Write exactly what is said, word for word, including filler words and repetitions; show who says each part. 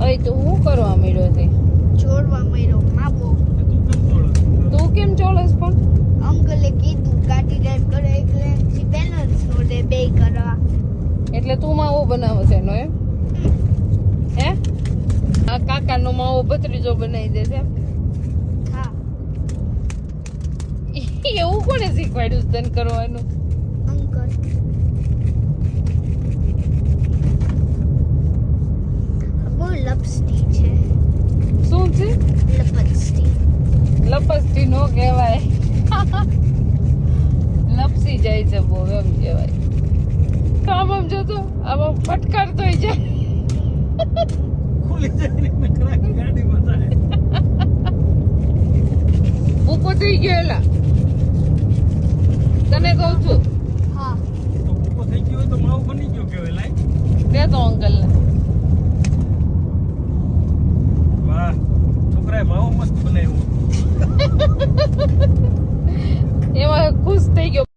Speaker 1: અય તો હું કરવા મળ્યો છે
Speaker 2: જોડવા મળ્યો માબો.
Speaker 1: તું કેમ ચોળસ પણ
Speaker 2: અંકલે કીધું ગાડી ડ્રાઈવ કરો એટલે બેલેન્સ નો દે બે કરવા.
Speaker 1: એટલે તું માવો બનાવે છે એનો એમ હે આ કાકાનો માવો ભત્રીજો બનાવી દે છે એમ?
Speaker 2: હા
Speaker 1: એવું કોને શીખવાડ્યું તને કરવાનું?
Speaker 2: અંકલ. બહુ લપસતી છે.
Speaker 1: શું છે?
Speaker 2: લપસતી.
Speaker 1: લપસતી નો કહેવાય લપસી જાય છે બહુ એમ કહેવાય. તો આમ આમ જોતો આમ ફટકારતો જાય
Speaker 3: ખુલી જાય ને ખરાક ગાડી બતાવે.
Speaker 1: ભૂકો થઈ ગયો એલા તને કહું છું.
Speaker 2: હા
Speaker 3: તો ઉભો થઈ ગયો હોય તો માવો બની ગયો કેવાય લાય.
Speaker 1: દે તો અંકલ ને
Speaker 3: વાહ છોકરાએ માવો મસ્ત બનાવ્યો.
Speaker 1: એમાં ખુશ થઈ ગયો.